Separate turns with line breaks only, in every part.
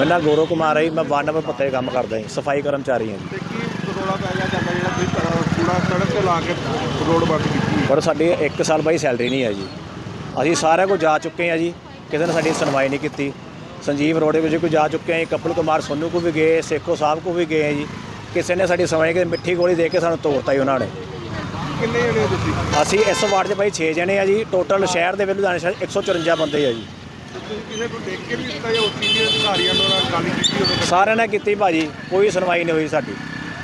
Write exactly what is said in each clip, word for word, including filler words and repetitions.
मेरा नाम गौरव कुमार है जी। मैं वार्ड नंबर पत्ते काम करता जी, सफाई कर्मचारी हैं जी। पर साडी एक साल बाई सैलरी नहीं है जी। असीं सारे को जा चुके हैं जी, किसी ने साडी सुनवाई नहीं की। संजीव रोड के कोई जा चुके हैं, कपिल कुमार सोनू को भी गए, सेखो साहब को भी गए हैं जी। किसी ने साडी सुनवाई की, मिट्ठी गोली दे के सानूं तोड़ता जी उन्होंने। ਅਸੀਂ ਇਸ ਵਾਰਡ 'ਚ ਭਾਈ ਛੇ ਜਣੇ ਆ ਜੀ। ਟੋਟਲ ਸ਼ਹਿਰ ਦੇ ਵਿੱਚ ਲੁਧਿਆਣਾ ਸ਼ਹਿਰ ਇੱਕ ਸੌ ਚੁਰੰਜਾ ਬੰਦੇ ਆ ਜੀ। ਸਾਰਿਆਂ ਨੇ ਕੀਤੀ ਭਾਜੀ, ਕੋਈ ਸੁਣਵਾਈ ਨਹੀਂ ਹੋਈ ਸਾਡੀ।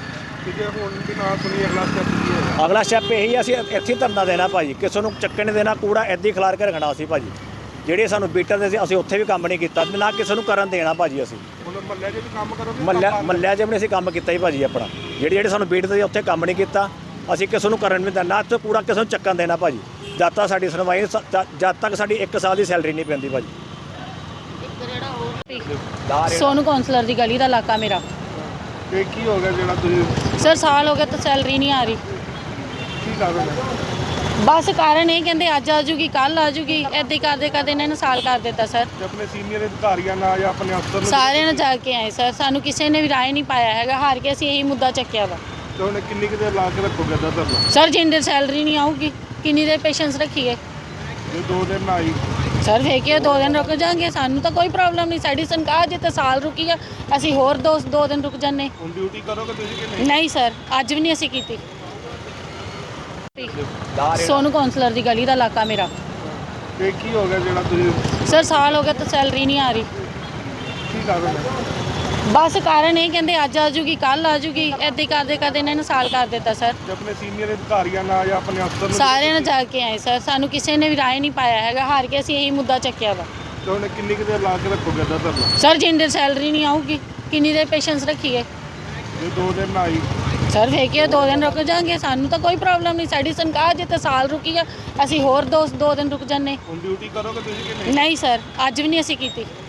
ਅਗਲਾ ਸਟੈਪ ਇਹੀ ਅਸੀਂ ਇੱਥੇ ਧਰਨਾ ਦੇਣਾ ਭਾਜੀ, ਕਿਸੇ ਨੂੰ ਚੱਕਣ ਨਹੀਂ ਦੇਣਾ, ਕੂੜਾ ਇੱਦਾਂ ਹੀ ਖਿਲਾਰ ਕੇ ਰੱਖਣਾ ਅਸੀਂ ਭਾਜੀ। ਜਿਹੜੇ ਸਾਨੂੰ ਬੀਟਰ ਦੇ ਸੀ ਅਸੀਂ ਉੱਥੇ ਵੀ ਕੰਮ ਨਹੀਂ ਕੀਤਾ, ਨਾ ਕਿਸੇ ਨੂੰ ਕਰਨ ਦੇਣਾ ਭਾਜੀ। ਅਸੀਂ ਮੱਲਿਆ ਮੱਲਿਆ 'ਚ ਵੀ ਅਸੀਂ ਕੰਮ ਕੀਤਾ ਜੀ ਭਾਜੀ ਆਪਣਾ। ਜਿਹੜੇ ਜਿਹੜੇ ਸਾਨੂੰ ਬੀਟਰ ਦੇ ਉੱਥੇ ਕੰਮ ਨਹੀਂ ਕੀਤਾ, ਅਸੀਂ ਕਿਸੇ ਨੂੰ ਕਰਨ ਨਹੀਂ ਦੇਣਾ, ਨਾ ਇੱਥੇ ਕੂੜਾ ਕਿਸੇ ਨੂੰ ਚੱਕਣ ਦੇਣਾ ਭਾਜੀ। ਜਦ ਤੱਕ ਸਾਡੀ ਸੁਣਵਾਈ ਜਦ ਤੱਕ ਸਾਡੀ ਇੱਕ ਸਾਲ ਦੀ ਸੈਲਰੀ ਨਹੀਂ ਪੈਂਦੀ ਭਾਜੀ।
ਸੋਨੂ ਕੌਂਸਲਰ ਦੀ ਗਲੀ ਦਾ ਇਲਾਕਾ ਮੇਰਾ।
ਤੇ ਕੀ ਹੋ ਗਿਆ ਜਿਹੜਾ ਤੁਸੀਂ
ਸਰ ਸਾਲ ਹੋ ਗਿਆ ਤਾਂ ਸੈਲਰੀ ਨਹੀਂ ਆ ਰਹੀ।
ਕੀ ਕਾਰਨ ਹੈ?
ਬਸ ਕਾਰਨ ਇਹ ਕਹਿੰਦੇ ਅੱਜ ਆ ਜੂਗੀ ਕੱਲ ਆ ਜੂਗੀ, ਇੱਦਾਂ ਹੀ ਕਰਦੇ ਕਰਦੇ ਇਹਨਾਂ ਨੇ ਸਾਲ ਕਰ ਦਿੱਤਾ ਸਰ।
ਤੇ ਆਪਣੇ ਸੀਨੀਅਰ ਅਧਿਕਾਰੀਆਂ ਨਾਲ ਜਾਂ ਆਪਣੇ ਅਫਸਰ ਨੂੰ
ਸਾਰਿਆਂ ਨੇ ਜਾ ਕੇ ਆਏ ਸਰ, ਸਾਨੂੰ ਕਿਸੇ ਨੇ ਵੀ ਰਾਏ ਨਹੀਂ ਪਾਇਆ ਹੈਗਾ। ਹਾਰ ਕੇ ਅਸੀਂ ਇਹੀ ਮੁੱਦਾ ਚੱਕਿਆ ਵਾ।
ਤੇ ਉਹਨੇ ਕਿੰਨੀ ਕੁ ਦੇਰ ਲਾ ਕੇ ਰੱਖੋਗੇ ਦਾ ਧਰਨਾ?
ਸਰ ਜਿੰਨੇ ਸੈਲਰੀ ਨਹੀਂ ਆਊਗੀ ਕਿੰਨੀ ਦੇਰ ਪੇਸ਼ੈਂਸ ਰੱਖੀਏ?
ਜੇ ਦੋ ਦਿਨ ਨਾ ਆਈ
ਸਰ ਫੇਕਿਓ ਦੋ ਦਿਨ ਰੁਕ ਜਾਾਂਗੇ, ਸਾਨੂੰ ਤਾਂ ਕੋਈ ਪ੍ਰੋਬਲਮ ਨਹੀਂ। ਸਾਡੀ ਤਨਖਾਹ ਜੇ ਤਾਂ ਸਾਲ ਰੁਕੀ ਆ, ਅਸੀਂ ਹੋਰ ਦੋ ਦੋ ਦਿਨ ਰੁਕ ਜਾਂਦੇ।
ਹੁਣ ਡਿਊਟੀ ਕਰੋਗੇ ਤੁਸੀਂ ਕਿ ਨਹੀਂ?
ਨਹੀਂ ਸਰ, ਅੱਜ ਵੀ ਨਹੀਂ ਅਸੀਂ ਕੀਤੀ। ਸੋਨੂ ਕੌਂਸਲਰ ਦੀ ਗਲੀ ਦਾ ਇਲਾਕਾ ਮੇਰਾ।
ਤੇ ਕੀ ਹੋ ਗਿਆ ਜਿਹੜਾ ਤੁਸੀਂ
ਸਰ ਸਾਲ ਹੋ ਗਿਆ ਤਾਂ ਸੈਲਰੀ ਨਹੀਂ ਆ ਰਹੀ।
ਕੀ ਕਾਰਨ ਹੈ?
ਬਸ ਕਾਰਨ ਇਹ ਕਹਿੰਦੇ ਅੱਜ ਆ ਜੂਗੀ ਕੱਲ ਆ ਜੂਗੀ, ਇੱਦਾਂ ਹੀ ਕਰਦੇ ਕਰਦੇ ਇਹਨਾਂ ਨੇ ਸਾਲ ਕਰ ਦਿੱਤਾ ਸਰ।
ਤੇ ਆਪਣੇ ਸੀਨੀਅਰ ਅਧਿਕਾਰੀਆਂ ਨਾਲ ਜਾਂ ਆਪਣੇ ਅਫਸਰ ਨੂੰ
ਸਾਰਿਆਂ ਨੇ ਜਾ ਕੇ ਆਏ ਸਰ, ਸਾਨੂੰ ਕਿਸੇ ਨੇ ਵੀ ਰਾਏ ਨਹੀਂ ਪਾਇਆ ਹੈਗਾ। ਹਾਰ ਕੇ ਅਸੀਂ ਇਹੀ ਮੁੱਦਾ ਚੱਕਿਆ ਵਾ।
ਤੇ ਉਹਨੇ ਕਿੰਨੀ ਕੁ ਦੇਰ ਲਾ ਕੇ ਰੱਖੋਗੇ ਦਾ ਧਰਨਾ?
ਸਰ ਜਿੰਨੇ ਸੈਲਰੀ ਨਹੀਂ ਆਊਗੀ ਕਿੰਨੀ ਦੇਰ ਪੇਸ਼ੈਂਸ ਰੱਖੀਏ?
ਜੇ ਦੋ ਦਿਨ ਨਾ ਆਈ
ਸਰ ਫੇਕਿਓ ਦੋ ਦਿਨ ਰੁਕ ਜਾਾਂਗੇ, ਸਾਨੂੰ ਤਾਂ ਕੋਈ ਪ੍ਰੋਬਲਮ ਨਹੀਂ। ਸਾਡੀ ਤਨਖਾਹ ਜੇ ਤਾਂ ਸਾਲ ਰੁਕੀ ਆ, ਅਸੀਂ ਹੋਰ ਦੋ ਦੋ ਦਿਨ ਰੁਕ ਜਾਂਦੇ।
ਹੁਣ ਡਿਊਟੀ ਕਰੋਗੇ ਤੁਸੀਂ ਕਿ ਨਹੀਂ?
ਨਹੀਂ ਸਰ, ਅੱਜ ਵੀ ਨਹੀਂ ਅਸੀਂ ਕੀਤੀ।